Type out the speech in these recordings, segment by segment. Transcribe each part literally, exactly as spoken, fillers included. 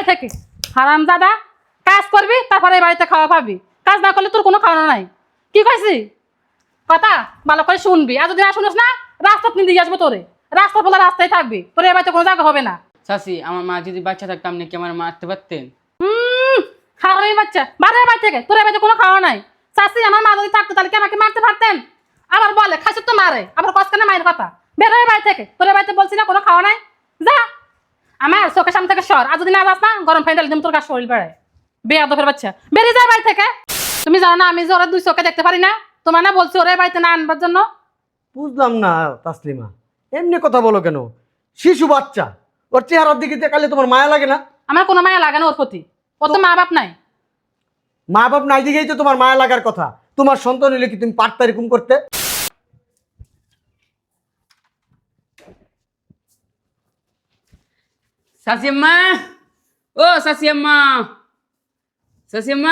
থেকে হারাম দাদা কাজ করবি তারপরে এই বাড়িতে খাওয়া পাবি কাজ না করলে তোর কোনো খাওয়ানো নাই কি কইছি কথা ভালো করে শুনবি আর যদি না শুনিস না রাস্তা নিয়ে দিয়ে আসবো তোরে রাস্তা বলে রাস্তায় থাকবি তোর এই বাড়িতে কোনো জায়গা হবে না চাচি আমার মা যদি বাচ্চা থাকতো আপনি কি আমার মারতে পারতেন? হুম হারামি বাচ্চা বাড়ির বাড়ি থেকে তোর এই বাড়িতে কোনো খাওয়া নাই চাষি আমার মা যদি থাকতো তাহলে কি আমাকে মারতে পারতেন আবার বলে খাসি তো মারে আবার কষ্ট না মায়ের কথা বের হয়ে বাড়ি থেকে তোর এই বাড়িতে বলছি না কোনো খাওয়া নাই যা আমার চোখের সামনে থেকে সর আর যদি না যাস না গরম ফাইনাল দিম তোর কাছে শরীর বেড়ায় বেয়াদবের বাচ্চা বেরিয়ে যায় বাড়ি থেকে তুমি জানো না আমি যে ওরা দুই চোখে দেখতে পারি না তোমার না বলছি ওরা এই বাড়িতে না আনবার জন্য বুঝলাম না তাসলিমা, এমনি কথা বলো কেন? শিশু বাচ্চা, ওর চেহারার দিকে তাকালে তোমার মায়া লাগে না? আমার কোনো মায়া লাগে না ওর প্রতি ও তো মা বাপ নাই মা বাপ নাই দিকেই তো তোমার মায়া লাগার কথা। তোমার সন্তান হলে কি তুমি পারতা এরকম করতে? চাচি আম্মা, ও চাচি আম্মা, চাচি আম্মা,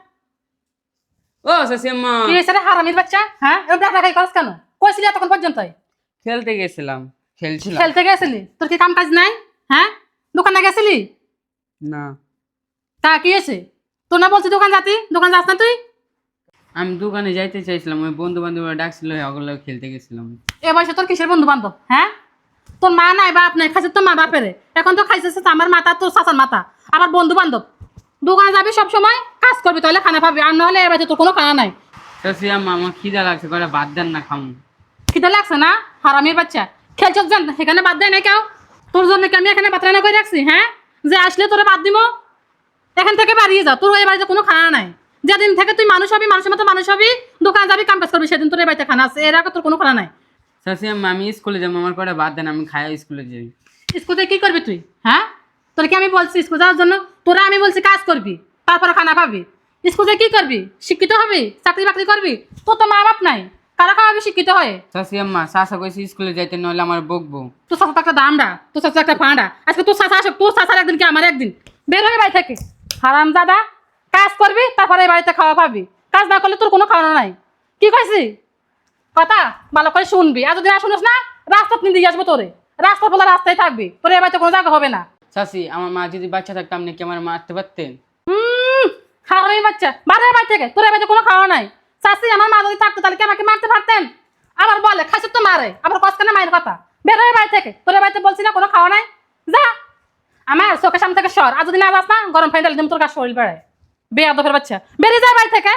ও চাচি আম্মা। কি হয়েছে রে হারামির বাচ্চা? হ্যাঁ এরকম ডাকা ডাকাই করছ কেন? কইছিলি এতক্ষণ পর্যন্ত খেলতে গেছিলাম খেলছিলাম খেলতে গেছিলি? তোর কি কাম কাজ নাই? হ্যাঁ দোকানে গেছিলি? না তা কি হয়েছে? তোর না বলছি দোকান যাতি দোকান যাস না তুই? আমি দোকানে যাইতে চাইছিলাম, ওই বন্ধু বান্ধবরা ডাকছিল ওগুলো খেলতে গেছিলাম। এ বয়সে তোর কিসের বন্ধু বান্ধব? হ্যাঁ তোর মা নাই বাপ নাই খাইছে তোর মা বাপেরে এখন তো খাইছে আমার মাথা তোর চাচার মাথা আবার বন্ধু বান্ধব দোকানে যাবি সব সময় কাজ করবি তাহলে খানা পাবি আর নাহলে এ বাড়িতে তোর কোনো খানা নাই চাচি আম্মা আমার খিদা লাগছে করে বাদ দেন না খামু। খিদে লাগছে না হারামির বাচ্চা খেলছ জান এখানে বাদ দেয় না কেউ তোর জন্য কি আমি এখানে বাদ রান্না করে রাখছি হ্যাঁ যে আসলে তোরা বাদ দিব এখান থেকে বাড়িয়ে যা তোর এই বাড়িতে কোনো খানা নাই যেদিন থেকে তুই মানুষ হবি মানুষের মতো মানুষ হবি দোকানে যাবি কাম কাজ করবি সেদিন তোর এই বাড়িতে খানা আছে এর আগে তোর কোনো খানা নাই চাচি আম্মা আমি স্কুলে যাবো, আমার করে বাদ দেন, আমি খাই স্কুলে যাই। স্কুলে কি করবি তুই? হ্যাঁ তোর কি আমি বলছি স্কুল যাওয়ার জন্য? তোরা আমি বলছি কাজ করবি তারপরে খানা পাবি স্কুলে কি করবি? শিক্ষিত হবি চাকরি বাকরি করবি তোর তো মা বাপ নাই কারা খাওয়াবি শিক্ষিত হয়ে? চাচি আম্মা চাচা কইছে স্কুলে যাইতে নইলে আমার বকবো। তোর চাচা তো একটা দামড়া তোর চাচা একটা ফাঁড়া আজকে তোর চাচা আসুক তোর চাচার একদিন কি আমার একদিন বের হয়ে বাড়ি থেকে হারাম দাদা কাজ করবি তারপরে এই বাড়িতে খাওয়া পাবি কাজ না করলে তোর কোনো খাওয়ানো নাই কি কইছি কথা ভালো করে শুনবি আর যদি না শুনিস না রাস্তা নিয়ে দিয়ে আসবো তোরে রাস্তা বলে রাস্তায় থাকবি তোর এই বাড়িতে কোনো জায়গা হবে না চাচি আমার মা যদি বাচ্চা থাকতো আপনি কি আমার মারতে পারতেন? হুম হারামি বাচ্চা বাড়ির বাড়ি থেকে তোর এই বাড়িতে কোনো খাওয়া নাই চাষি আমার মা যদি থাকতো তাহলে কি আমাকে মারতে পারতেন আবার বলে খাসি তো মারে আবার কষ্ট না মায়ের কথা বের হয়ে বাড়ি থেকে তোর এই বাড়িতে বলছি না কোনো খাওয়া নাই যা আমার চোখের সামনে থেকে সর আর যদি না যাস না গরম ফাইনাল দিম তোর কাছে শরীর বেড়ায় বেয়াদবের বাচ্চা বেরিয়ে যায় বাড়ি থেকে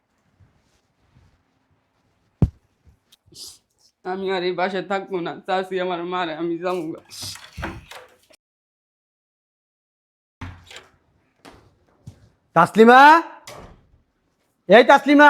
আমি আর এই বাসায় থাকবো না, চাচি আমার মারে, আমি যাবো। তাসলিমা, এই তাসলিমা,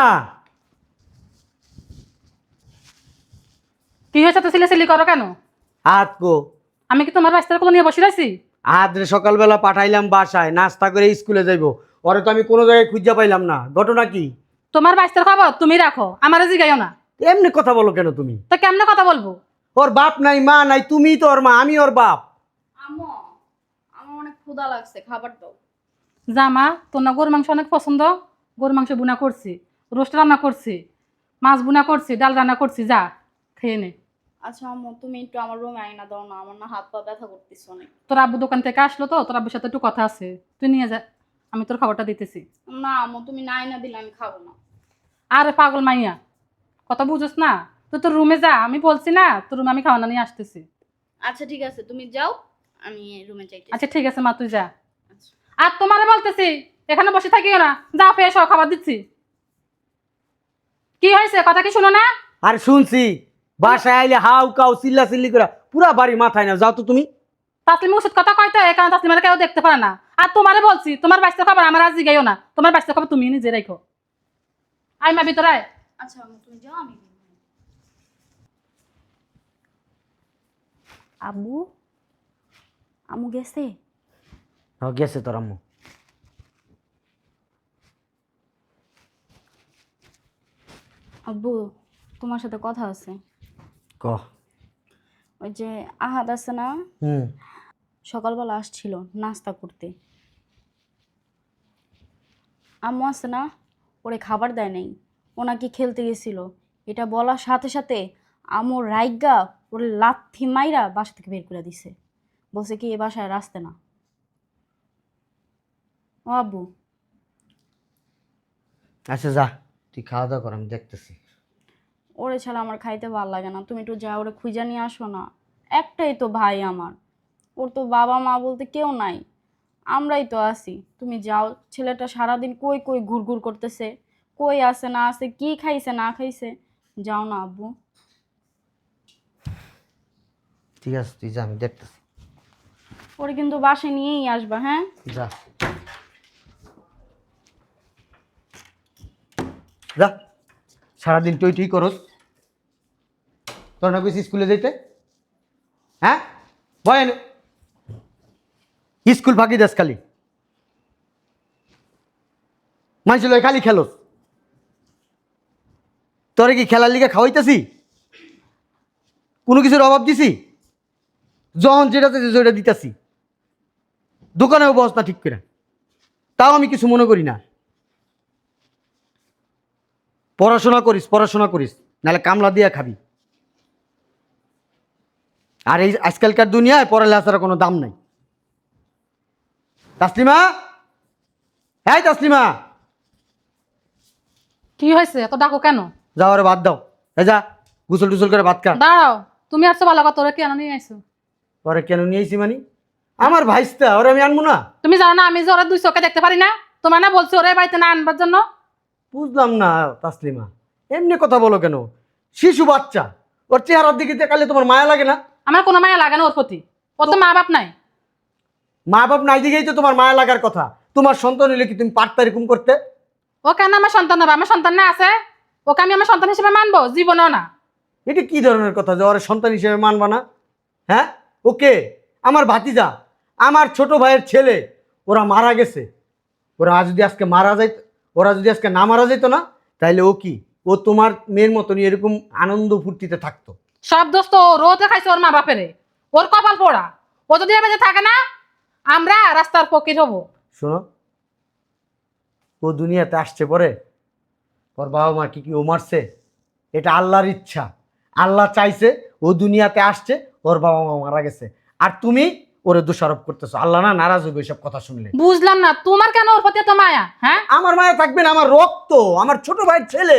কি হয়েছে তো সিলে সিলি করো কেন? আজ গো আমি কি তোমার বাচ্চার কোলে নিয়ে বসে রয়েছি? আজ রে সকালবেলা পাঠাইলাম বাসায় নাস্তা করে স্কুলে যাইবো, ওরে তো আমি কোনো জায়গায় খুঁজে পাইলাম না। ঘটনা কি? তোমার বাচ্চার খবর তুমি রাখো আমারে জিগাইও না। এমনি কথা বলো কেন তুমি? তো কেমনে কথা বলবো? ওর বাপ নাই মা নাই, তুমি তো ওর মা, আমি ওর বাপ। আম্মু আমার অনেক ক্ষুধা লাগছে, খাবার দাও। জামা তোর না গরুর মাংস অনেক পছন্দ, গরুর মাংস বুনা করছি, রোস্ট রান্না করছি, মাছ বুনা করছি, ডাল রান্না করছি, যা খেয়ে নে। আচ্ছা আম্মু তুমি একটু আমার রুমে আইনা দাও না, আমার না হাত পা ব্যথা করতেছে অনেক। তোর আব্বু দোকান থেকে আসলো তো, তোর আব্বুর সাথে একটু কথা আছে, তুই নিয়ে যা, আমি তোর খাবারটা দিতেছি। না আম্মু তুমি না আইনা দিলে আমি খাবো না। আরে পাগল মাইয়া কথা বুঝোস না, তুই তোর রুমে যা, আমি বলছি না তোর রুমে আমি খাওয়ানা নিয়ে আসতেছি। আচ্ছা ঠিক আছে তুমি যাও, আমি রুমে যাইতে। আচ্ছা ঠিক আছে মা তুই যা। আচ্ছা। আর তোমারে বলতেছি এখানে বসে থাকিও না, যা ফ্রেশ হও, খাবার দিচ্ছি। কি হয়েছে কথা কি শুনো না? আর শুনছি বাসায় আইলে হাউ কাউ চিল্লা চিল্লি করে পুরা বাড়ি মাথায় না, যাও তো তুমি। তাসলিম ওষুধ কথা কয়তো এই কারণে তাসলিমারে কেউ দেখতে পারে না। আর তোমারে বলছি তোমার বাচ্চার খবর আমার আজ জিগাইও না, তোমার বাচ্চার খবর তুমি নিজে রাখো। আই মা ভিতরে আয়। আচ্ছা আম্মু তুমি যাও, আমি আব্বু আম্মু গেছে? হ্যাঁ গেছে তোর আম্মু। আব্বু তোমার সাথে কথা আছে। ক। ওই যে আহাদ আছে না, হুম। সকালবেলা আসছিল নাস্তা করতে, আম্মু আছে না ওরে খাবার দেয় নাই, ও নাকি খেলতে গেছিল। এটা বলার সাথে সাথে আম্মু রাইগা ওরে লাথি মাইরা বাসা থেকে বের করে দিছে, বলছে কি এ বাসায় আর আসতে না। ও আব্বু, আচ্ছা যা, তুই খাওয়া দাওয়া কর, আমি দেখতেছি। ওরে ছাড়া আমার খাইতে ভালো লাগে না, তুমি একটু যা ওরে খুঁজে নিয়ে আসো না। একটাই তো ভাই আমার, ওর তো বাবা মা বলতে কেউ নাই, আমরাই তো আছি। তুমি যাও, ছেলেটা সারাদিন কই কই ঘুরঘুর করতেছে, কই আছে না আছে, কি খাইছে না খাইছে। যাও না আব্বু। ঠিক আছে তুই যা, আমি দেখতেছি। ওরে কিন্তু বাসায় নিয়েই আসবা, হ্যাঁ? যা যা, সারাদিন তুই তুই করস, তোর না কইছি স্কুলে যাইতে? হ্যাঁ বয় এনে। স্কুল ফাঁকি দেশ খালি, মানুষ লয় খালি খেলোস। তোরে কি খেলার লিগে খাওয়াইতেছি? কোনো কিছুর অভাব দিছি? যখন যেটা যেটা দিতেছি, দোকানেও বস না ঠিক করে, তাও আমি কিছু মনে করি না। পড়াশোনা করিস, পড়াশোনা করিস, নাহলে কামলা দিয়া খাবি। আর এই আজকালকার দুনিয়ায় পড়ালেখার কোনো দাম নাই। তাসলিমা, হ্যাঁ তাসলিমা, কি হয়েছে এত ডাকো কেন? যাও রে, বাদ দাও। এই যা, গুসল টুসল করে ভাত খা। দাঁড়াও, তুমি আসছো ভালো কথা, তোরা কেন নিয়ে আইছো? ওরে কেন নিয়ে আইছি মানে? আমার ভাইস্তা, ওরে আমি আনবো না? তুমি জানো না আমি যে ওরা দুই চোখে দেখতে পারি না? তোমার না বলছি ওরে বাড়িতে না আনবার জন্য? বুঝলাম না তাসলিমা, এমনি কথা বলো কেন? শিশু বাচ্চা, ওর চেহারার দিকে দেখালে তোমার মায়া লাগে না? আমার কোনো মায়া লাগে না ওর প্রতি, ওর তো মা বাপ নাই। মা বাপ নাই দিকেই তো তোমার মায়া লাগার কথা। তোমার সন্তান হইলে কি তুমি পারতা এরকম করতে? ও কেন আমার সন্তান হবে? আমার সন্তান না আছে, ওকে আমি আমার সন্তান হিসেবে মানবো? জীবনও না। এটা কি ধরনের কথা যে ওর সন্তান হিসেবে মানবা না? হ্যাঁ, ওকে আমার ভাতিজা, আমার ছোট ভাইয়ের ছেলে, ওরা মারা গেছে। ওরা যদি আজকে মারা যাইত, ওরা যদি আজকে না মারা যাইতো না, তাইলে ও কি, ও তোমার মেয়ের মতনই এরকম আনন্দ ফুর্তিতে থাকতো? সব দোষ তো ওর, ও তো খাইছে ওর মা বাপেরে, ওর কপাল পোড়া। ও যদি এ বাজে থাকে না, আমরা রাস্তার ফকির হবো। শোনো, ও দুনিয়াতে আসছে পরে ওর বাবা মা কি কি ও মারছে? এটা আল্লাহর ইচ্ছা, আল্লাহ চাইছে ও দুনিয়াতে আসছে, ওর বাবা মা মারা গেছে, আর তুমি ওরে দোষারোপ করতেছো। আল্লাহ না নারাজ হবে এসব কথা শুনলে। বুঝলাম না তোমার কেন ওর প্রতি এত মায়া? হ্যাঁ, আমার মায়া থাকবে না? আমার রক্ত, আমার ছোট ভাইয়ের ছেলে,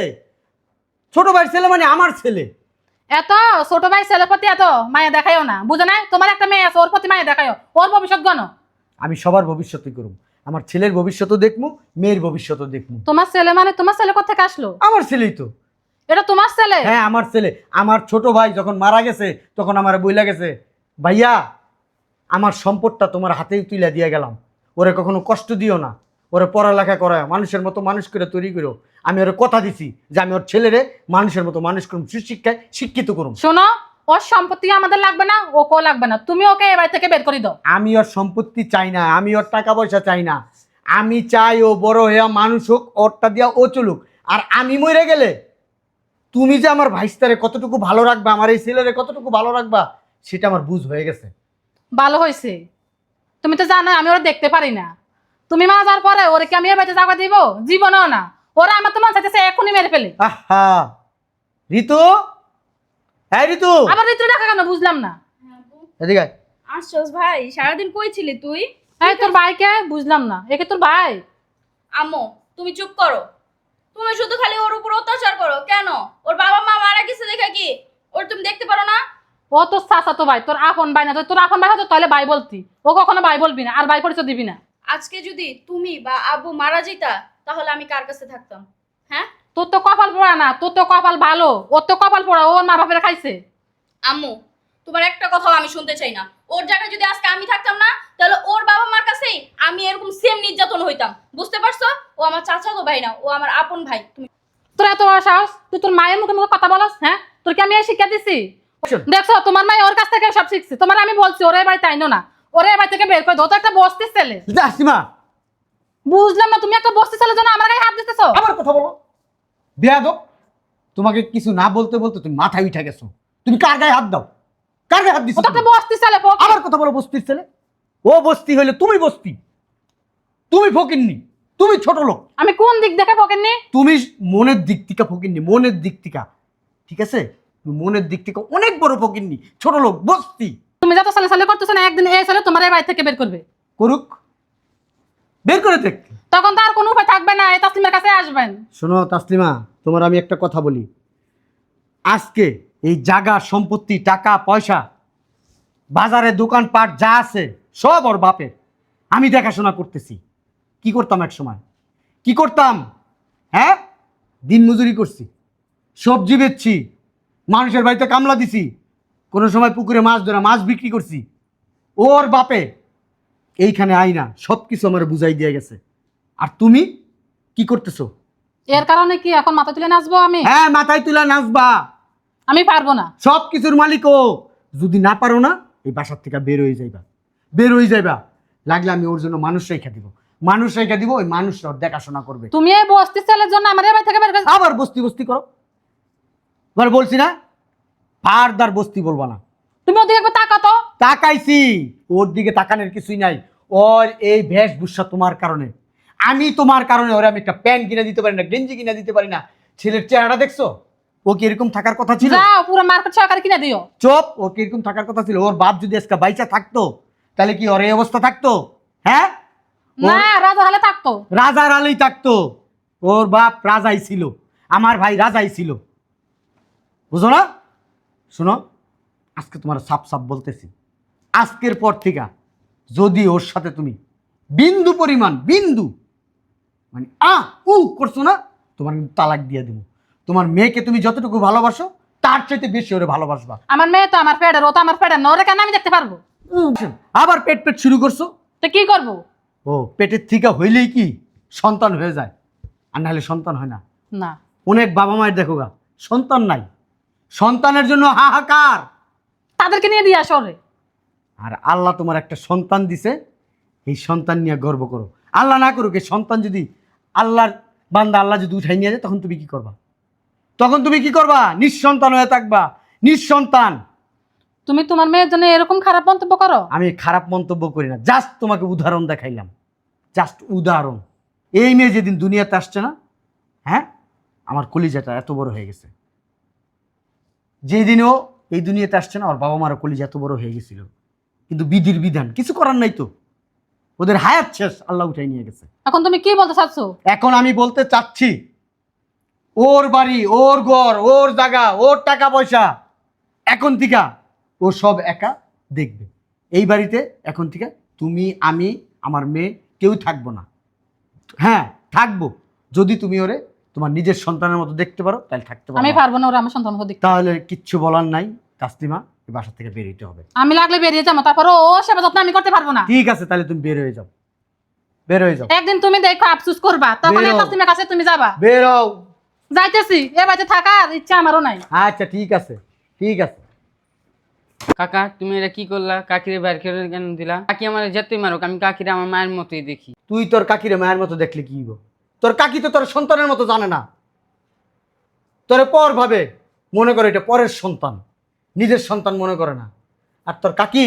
ছোট ভাইয়ের ছেলে মানে আমার ছেলে। এত ছোট ভাই ছেলের প্রতি এত মায়া দেখায়ও না, বুঝো না? তোমার একটা মেয়ে আছে, ওর প্রতি মায়া দেখায়ও, ওর ভবিষ্যৎ গণ। আমি সবার ভবিষ্যৎই করব, আমার ছেলের ভবিষ্যৎও দেখবো, মেয়ের ভবিষ্যৎও দেখবো। তোমার ছেলে মানে তোমার ছেলে কোথেকে আসলো? আমার ছেলেই তো। এটা তোমার ছেলে? হ্যাঁ আমার ছেলে। আমার ছোট ভাই যখন মারা গেছে তখন আমার বইলা গেছে, ভাইয়া আমার সম্পদটা তোমার হাতেই তুলে দিয়ে গেলাম, ওরে কখনো কষ্ট দিও না, ওরে পড়ালেখা করায় মানুষের মতো মানুষ করে তৈরি করো। আমি ওরে কথা দিছি যে আমি ওর ছেলেরে মানুষের মতো মানুষ করুম, সুশিক্ষায় শিক্ষিত করুম। শোনো, ওর সম্পত্তি আমাদের লাগবে না, ওকেও লাগবে না, তুমি ওকে এ বাড়ি থেকে বের করে দাও। আমি ওর সম্পত্তি চাই না, আমি ওর টাকা পয়সা চাই না, আমি চাই ও বড় হইয়া মানুষ হোক, ওরটা দিয়া ও চলুক। আর আমি মরে গেলে তুমি যে আমার ভাইস্তারে কতটুকু ভালো রাখবা, আমার এই ছেলেরে কতটুকু ভালো রাখবা, সেটা আমার বুঝ হয়ে গেছে। ভালো হয়েছে, তুমি তো জানো আমি ওরা দেখতে পারি না। তুমি মা যাওয়ার পরে ওরে কি আমি এ বাড়িতে জায়গা দিব? জীবনও না। ওরা আমার তো মন চাইতেছে এখনই মেরে ফেলে। আহা ঋতু, হ্যাঁ ঋতু, আবার ঋতু ডাকা কেন বুঝলাম না? এদিকে আয়। আসছস ভাই, সারাদিন কই ছিলি তুই? এই তোর ভাইকে বুঝলাম না, একে তোর ভাই? আম্মু তুমি চুপ করো। তুমি শুধু খালি ওর উপর অত্যাচার করো কেন? ওর বাবা মা মারা গেছে দেখে কি ওর তুমি দেখতে পারো না? ও তোর চাচা তো ভাই, তোর আপন ভাই না। তোর আপন ভাই হতো তাহলে ভাই বলতি, ও কখনো ভাই বলবি না, আর ভাই পরিচয় দিবি না। আজকে যদি তুমি বা আব্বু মারা যেতা তাহলে আমি কার কাছে থাকতাম? হ্যাঁ তোর তো কপাল পোড়া না, তোর তো কপাল ভালো, ওর তো কপাল পোড়া, ওর মা বাপের খাইছে। আম্মু তোমার একটা কথাও আমি শুনতে চাই না। ওর জায়গায় যদি আজকে আমি থাকতাম না তাহলে ওর বাবা মার কাছেই আমি এরকম সেম নির্যাতন হইতাম। বুঝতে পারছো? ও আমার চাচাতো ভাই না, ও আমার আপন ভাই। তুমি তোর এত বড় সাহস, তুই তোর মায়ের মুখে মুখে কথা বলস? হ্যাঁ, তোর কি আমি এই শিক্ষা দিছি? দেখছো তোমার মাই ওর কাছ থেকে সব শিখছে। তোমার আমি বলছি ওরে বাড়ি তাই না, ওরে বাড়ি থেকে বের করে দাও। তো একটা বস্তির ছেলে। আসিমা, বুঝলাম না, তুমি একটা বস্তির ছেলের জন্য আমার গায়ে হাত দিতেছো? আবার কথা বলো বেয়াদব। তোমাকে কিছু না বলতে বলতে তুমি মাথায় উঠে গেছো। তুমি কার গায়ে হাত দাও? কার গায়ে হাত দিছো? ও তো একটা বস্তির ছেলে। ফকির। আবার কথা বলো বস্তির ছেলে। ও বস্তি হইলে তুমি বস্তি, তুমি ফকিন্নি, তুমি ছোট লোক। আমি কোন দিক দেখে ফকিন্নি? তুমি মনের দিক থেকে ফকিন্নি, মনের দিক থেকে, ঠিক আছে? তুমি মনের দিক থেকে অনেক বড় ফকিন্নি, ছোট লোক, বস্তি। তুমি যত সালে সালে করতেছো না, একদিন এই ছেলে তোমার এই বাড়ি থেকে বের করবে। করুক, বের করে দেখ। তখন তো আর কোনো উপায় থাকবে না, এই তাসলিমের কাছে আসবেন। শোনো তাসলিমা, তোমার আমি একটা কথা বলি, আজকে এই জায়গা সম্পত্তি টাকা পয়সা বাজারে দোকানপাট যা আছে সব ওর বাপের। আমি দেখাশোনা করতেছি। কি করতাম এক সময়, কি করতাম? হ্যাঁ, দিন মজুরি করছি, সবজি বেচছি, মানুষের বাড়িতে কামলা দিছি, কোনো সময় পুকুরে মাছ ধরা মাছ বিক্রি করছি। ওর বাপে এইখানে আইনা সব কিছু আমার বুঝাই দিয়ে গেছে। আর তুমি কি করতেছো? এর কারণে কি এখন মাথা তুলে নাচবো আমি? হ্যাঁ, মাথায় তুলা নাচবা। আমি পারবো না। সব কিছুর মালিক ও। যদি না পারো না, এই বাসার থেকে বের হয়ে যাইবা, বের হয়ে যাইবা। লাগলে আমি ওর জন্য মানুষ রেখে দিব, মানুষ রেখে দিব, ওই মানুষ ওর দেখাশোনা করবে। তুমি এই বস্তি ছেলের জন্য আমার এই বাড়ি থেকে বের করে আবার বস্তি বস্তি করো। এবার বলছি না, ফারদার বস্তি বলবা না। তুমি ওদিকে একবার তাকাতো। তাকাইছি, ওর দিকে তাকানোর কিছুই নাই। ওর এই বেশভূষা তোমার কারণে। আমি তোমার কারণে ওরে আমি একটা প্যান্ট কিনে দিতে পারি না, গেঞ্জি কিনে দিতে পারি না। ছেলের চেহারা দেখছো? ও কি এরকম থাকার কথা ছিল? যাও পুরো মার্কেট সহকারে কিনে দিও। চোপ, ও কি এরকম থাকার কথা ছিল? ওর বাপ যদি আজকে বাইচা থাকতো তাহলে কি ওর এই অবস্থা থাকতো? হ্যাঁ, না, রাজা হলে থাকতো। রাজার আলেই থাকতো। ওর বাপ রাজাই ছিল, আমার ভাই রাজাই ছিল, বুঝো না? শোনো, আজকে তোমার সাপ সাপ বলতেছি, আজকের পর থেকে যদি ওর সাথে তুমি বিন্দু পরিমাণ বিন্দু মানে আ উ করছো না, তোমার কিন্তু তালাক দিয়ে দেবো। তোমার মেয়েকে তুমি যতটুকু ভালোবাসো তার চাইতে বেশি ওরে ভালোবাসবা। আমার মেয়ে তো আমার পেটের, ও তো আমার পেটের না, ওরে কেন আমি দেখতে পারবো? আবার পেট পেট শুরু করছো। তো কি করবো? ও পেটের থেকে হইলেই কি সন্তান হয়ে যায়? আর নাহলে সন্তান হয় না। না, অনেক বাবা মায়ের দেখো গা সন্তান নাই, সন্তানের জন্য হাহাকার। তাদেরকে নিয়ে দিয়ে আসো রে। আর আল্লাহ তোমার একটা সন্তান দিছে, এই সন্তান নিয়ে গর্ব করো। আল্লাহ না করুক, এই সন্তান যদি আল্লাহর বান্দা আল্লাহ যদি উঠাই নিয়ে যায়, তখন তুমি কি করবা? তখন তুমি কি করবা? নিঃসন্তান হয়ে থাকবা, নিঃসন্তান। তুমি তোমার মেয়ের জন্য এরকম খারাপ মন্তব্য করো? আমি খারাপ মন্তব্য করি না, জাস্ট তোমাকে উদাহরণ দেখাইলাম, জাস্ট উদাহরণ। এই মেয়ে যেদিন দুনিয়াতে আসছে না, হ্যাঁ, আমার কলিজাটা এত বড় হয়ে গেছে। যেদিন ও এই দুনিয়াতে আসছে না, ওর বাবা মারও কলিজা এত বড় হয়ে গেছিল, কিন্তু বিধির বিধান, কিছু করার নাই তো। ওদের হায়াত শেষ, আল্লাহ উঠাই নিয়ে গেছে। এখন তুমি কি বলতে চাচ্ছ? এখন আমি বলতে চাচ্ছি, ওর বাড়ি, ওর ঘর, ওর জায়গা, ওর টাকা পয়সা এখন থেকে ও সব একা দেখবে। এই বাড়িতে এখন থেকে তুমি, আমি, আমার মেয়ে কেউ থাকবো না। হ্যাঁ থাকবো, যদি তুমি ওরে তোমার নিজের সন্তানের মতো দেখতে পারো তাহলে থাকতে পারো। আমি পারবো না ওরা আমার সন্তান দেখতে। তাহলে কিচ্ছু বলার নাই তাসলিমা, এই বাসা থেকে বেরোতে হবে। আমি লাগলে বেরিয়ে যাবো, তারপর ও সেবা যত্ন আমি করতে পারবো না। ঠিক আছে, তাহলে তুমি বের হয়ে যাও, বের হয়ে যাও। একদিন তুমি দেখো আফসোস করবা, তখন বেরো। এই তাসলিমের কাছে তুমি যাবা। বের হও। যাইতেছি, এ বাড়িতে থাকার ইচ্ছা আমারও নাই। আচ্ছা ঠিক আছে, ঠিক আছে। কাকা তুমি এটা কি করলা? কাকিরে বাইর করে কেন দিলা? কাকি আমার যেতেই মারুক, আমি কাকিরে আমার মায়ের মতোই দেখি। তুই তোর কাকিরে মায়ের মতো দেখলে কি গো? তোর কাকি তো তোর সন্তানের মতো জানে না, তোরে পর ভাবে, মনে করে এটা পরের সন্তান, নিজের সন্তান মনে করে না। আর তোর কাকি,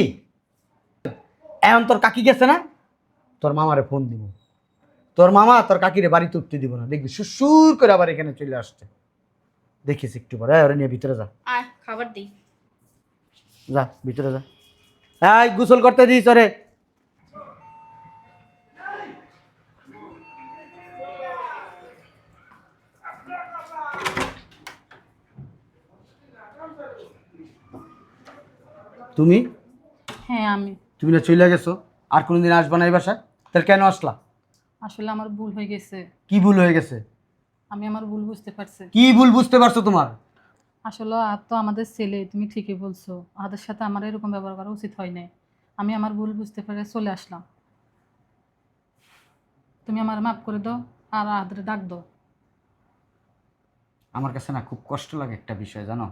এখন তোর কাকি গেছে না, তোর মামারে ফোন দিব, তোর মামা তোর কাকিরে বাড়িতে উঠতে দিব না, দেখবি সুসুর করে আবার এখানে চলে আসছে। দেখিস একটু পরে, এই, ওরে নিয়ে ভিতরে যা, আয় খাবার দিই। যা ভিতরে যা। এই গোসল করতে দিস ওরে। তুমি হ্যাঁ আমি। তুমি না চলে গেছো, আর কোনোদিন আসবা না এই বাসায়, তাহলে কেন আসলা? আসলে আমার ভুল হয়ে গেছে। কি ভুল হয়ে গেছে? আমি আমার ভুল বুঝতে পারছি। কি ভুল বুঝতে পারছো তোমার? আসলে আর তো আমাদের ছেলে, তুমি ঠিকই বলছো, ওদের সাথে আমার এরকম ব্যবহার করা উচিত হয় নাই। আমি আমার ভুল বুঝতে পেরে চলে আসলাম। তুমি আমার মাফ করে দাও আর আদরে ডাক দাও। আমার কাছে না খুব কষ্ট লাগে একটা বিষয়, জানো,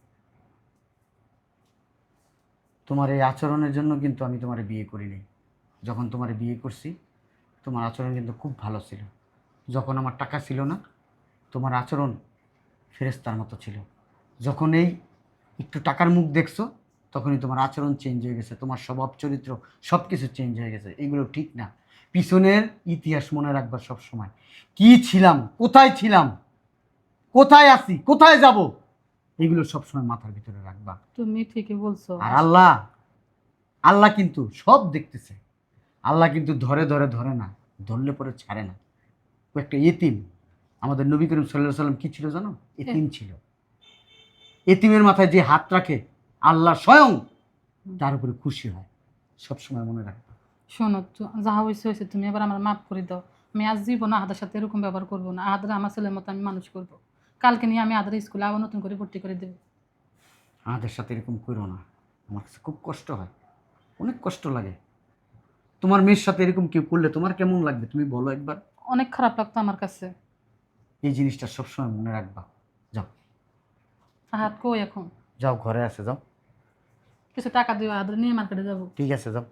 তোমার এই আচরণের জন্য কিন্তু আমি তোমার বিয়ে করিনি। যখন তোমার বিয়ে করছি তোমার আচরণ কিন্তু খুব ভালো ছিল। যখন আমার টাকা ছিল না, তোমার আচরণ ফেরেশতার মতো ছিল। যখন এই একটু টাকার মুখ দেখছো, তখনই তোমার আচরণ চেঞ্জ হয়ে গেছে, তোমার স্বভাব চরিত্র সব কিছু চেঞ্জ হয়ে গেছে। এগুলো ঠিক না। পিছনের ইতিহাস মনে রাখবা সব সময়। কি ছিলাম, কোথায় ছিলাম, কোথায় আছি, কোথায় যাব, এগুলো সবসময় মাথার ভিতরে রাখবা। তুমি ঠিকই বলছো। আর আল্লাহ, আল্লাহ কিন্তু সব দেখতেছে। আল্লাহ কিন্তু ধরে ধরে ধরে না, ধরলে পরে ছাড়ে না। ও একটা এতিম। আমাদের নবী করিম সাল্লাল্লাহু আলাইহি সাল্লাম কি ছিল জানো? এতিম ছিল। এতিমের মাথায় যে হাত রাখে আল্লাহ স্বয়ং তার উপরে খুশি হয়। সবসময় মনে রাখবে। শোনো, তো- যা হয়েছে হয়েছে, তুমি এবার আমার মাফ করে দাও। আমি আজ জীবন আহাদের সাথে এরকম ব্যবহার করবো না। আহাদের আমার ছেলের মতো আমি মানুষ করব। কালকে নিয়ে আমি আহাদের স্কুলে আবার নতুন করে ভর্তি করে দেবো। আমাদের সাথে এরকম করো না, আমার কাছে খুব কষ্ট হয়, অনেক কষ্ট লাগে। তোমার মেয়ের সাথে এরকম কেউ করলে তোমার কেমন লাগবে তুমি বলো একবার। অনেক খারাপ লাগতো আমার কাছে। এই জিনিসটা সবসময় মনে রাখবা। যাও আহাদ কই এখন? যাও, ঘরে আছে, যাও। কিছু টাকা দিও, আহাদের নিয়ে মার্কেটে যাবো। ঠিক আছে, যাও।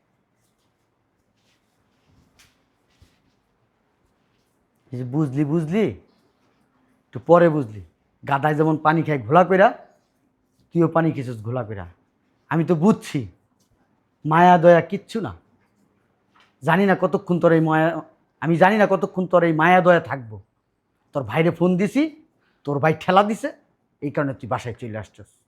এই যে বুঝলি বুঝলি একটু পরে বুঝলি। গাদায় যেমন পানি খায় ঘোলা কইরা, তুইও পানি খেয়েছিস ঘোলা কইরা। আমি তো বুঝছি মায়া দয়া কিচ্ছু না। জানি না কতক্ষণ তোর এই মায়া, আমি জানি না কতক্ষণ তোর এই মায়া দয়া থাকবো। তোর ভাইরে ফোন দিছি, তোর ভাই ঠেলা দিছে, এই কারণে তুই বাসায় চলে আসছিস।